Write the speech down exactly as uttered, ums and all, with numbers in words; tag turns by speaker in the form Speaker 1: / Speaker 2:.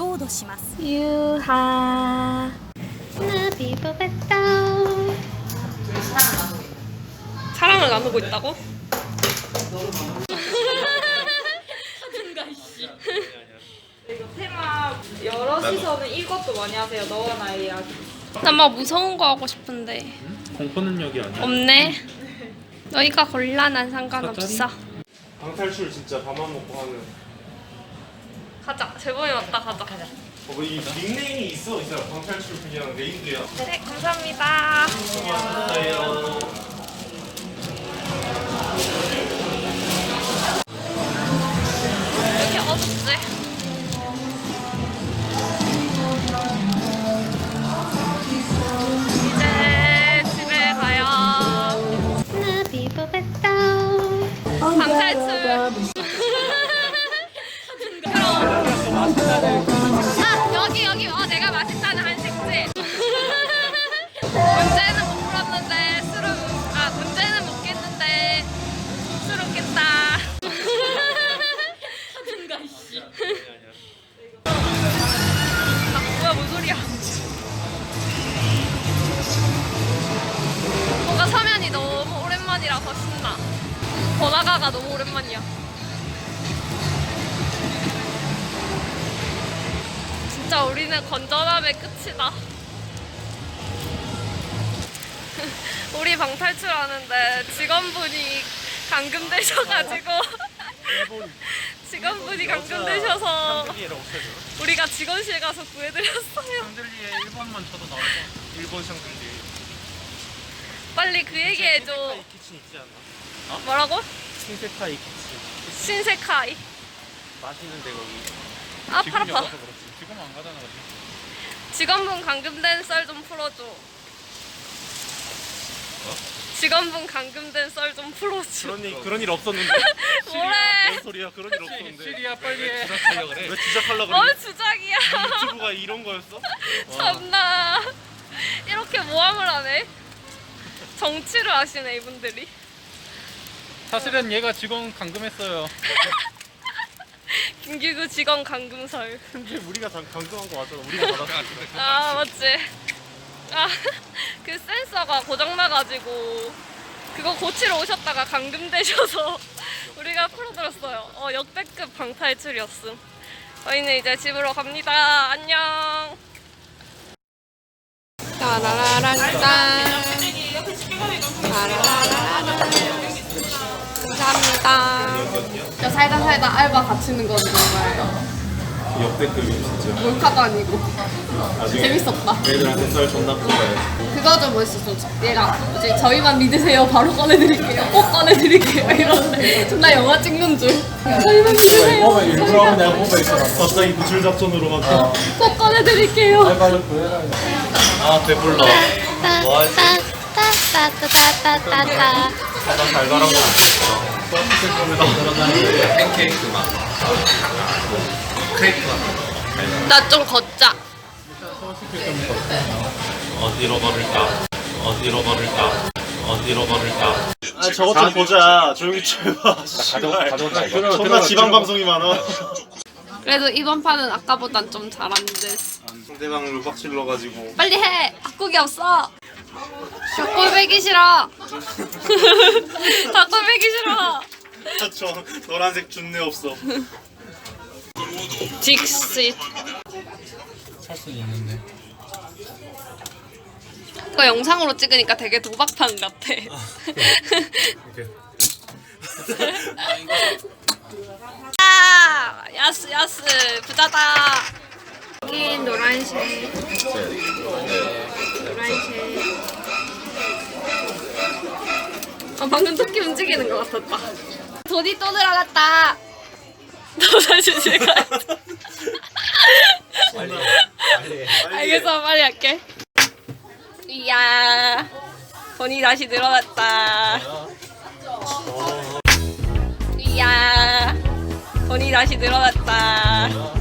Speaker 1: ードします。
Speaker 2: 유하 나비보베다. 사랑을 나누고 있다고?
Speaker 3: 이거 테마 여럿이서는 이것도 많이 하세요. 너와 나의 이야기.
Speaker 2: 나 막 무서운 거 하고 싶은데
Speaker 4: 공포 능력이 아니야.
Speaker 2: 없네. 너희가 골라. 난 상관없어.
Speaker 4: 방탈출 진짜 밥만 먹고 하는.
Speaker 2: 가자. 재범이 왔다. 가자.
Speaker 4: 어, 이 닉네임이 있어 있어요. 방탈출 그냥 네임드야.
Speaker 2: 네, 감사합니다.
Speaker 4: 감사해요.
Speaker 2: 왜 이렇게 어둡지? 이제 집에 가요. 방탈출. 아, 여기 여기 어 내가 맛있다는 한식집. 문제는 못 풀었는데 술은 아 문제는 못 깼는데 술은 깼다. 아 뭐야 뭔 소리야? 뭔가 서면이 너무 오랜만이라서 신나. 번화가가 너무 오랜만이야. 진짜 우리는 건전함의 끝이다. 우리 방탈출하는데 직원분이 감금되셔가지고 직원분이 감금되셔서 우리가 직원실 가서 구해드렸어요.
Speaker 4: 샹들리에 일본만 쳐도 나올 거. 일본 샹들리에.
Speaker 2: 빨리 그 얘기 해줘.
Speaker 4: 신세카이 키친 있지 않나?
Speaker 2: 뭐라고?
Speaker 4: 신세카이 키친.
Speaker 2: 신세카이.
Speaker 4: 맛있는데 거기.
Speaker 2: 아 팔 아파.
Speaker 4: 지금 안 가잖아 거기.
Speaker 2: 직원분 감금된 썰 좀 풀어줘. 직원분 감금된 썰 좀 풀어줘.
Speaker 4: 그런 일 그런 일 없었는데.
Speaker 2: 뭐래?
Speaker 4: 뭔 소리야? 그런 일 없었는데.
Speaker 5: 시리야 빨리 해.
Speaker 4: 주작하려 그래? 왜 주작하려 그래?
Speaker 2: 뭘 주작이야.
Speaker 4: 유튜브가 이런 거였어?
Speaker 2: 참나. 이렇게 모함을 하네. 정치를 하시네 이분들이.
Speaker 5: 사실은 얘가 직원 감금했어요.
Speaker 2: 김기구 직원 감금설.
Speaker 4: 근데 우리가 다 강금한 거 맞잖아. 우리가 받았으니까.
Speaker 2: 아 맞지. 아 그 센서가 고장나가지고 그거 고치러 오셨다가 감금되셔서 우리가 풀어드렸어요. 어 역대급 방탈출이었음. 저희는 이제 집으로 갑니다. 안녕. 따라라란딴. 따라라라란. 감사합니다. 야 살다 살다 알바 갇히는 건 정말
Speaker 4: 역대급이야 진짜.
Speaker 2: 몰카도 아니고
Speaker 4: 나중에
Speaker 2: 재밌었다.
Speaker 4: 애들한테 썰 존나 풀어야지.
Speaker 2: 그거 좀 멋있었어. 얘가 이제 저희만 믿으세요. 바로 꺼내드릴게요. 꼭 꺼내드릴게요. 이러는데 존나 영화 찍는 줄. 저희만 믿으세요.
Speaker 4: 어, 일부러 하면 내가 보고 있어. 갑자기 구출 작전으로 막. 어.
Speaker 2: 꼭 꺼내드릴게요.
Speaker 4: 아 배불러. 뭐 하지?
Speaker 2: 따따따따따따따.
Speaker 4: 가장 달달한 거 먹었어. 팬케이크 맛. 크레이크 맛.
Speaker 2: 나 좀 걷자.
Speaker 4: 어디로 걸을까? 어디로 걸을까? 어디로 걸을까? 아 저것 좀 보자. 조용히 쳐봐. 가져온다 이거. 존나 지방 방송이 많아.
Speaker 2: 그래도 이번 판은 아까보단 좀 잘하는데.
Speaker 4: 상대방을 빡 질러가지고.
Speaker 2: 빨리 해. 바꾸기 없어. 닭골 베기 싫어. 닭골 베기 싫어.
Speaker 4: 저 노란색 준내 없어.
Speaker 2: 딕시.
Speaker 5: 찰수 있는데.
Speaker 2: 그거 영상으로 찍으니까 되게 도박판 같아. 아, 야스 야스 부자다. 여기 노란색. 노란색. 아 방금 토끼 움직이는 것 같았다. 돈이 또 늘어났다. 너 사실 제가.
Speaker 4: 빨리 빨리.
Speaker 2: 알겠어 빨리 할게. 이야 돈이 다시 늘어났다. 이야 돈이 다시 늘어났다.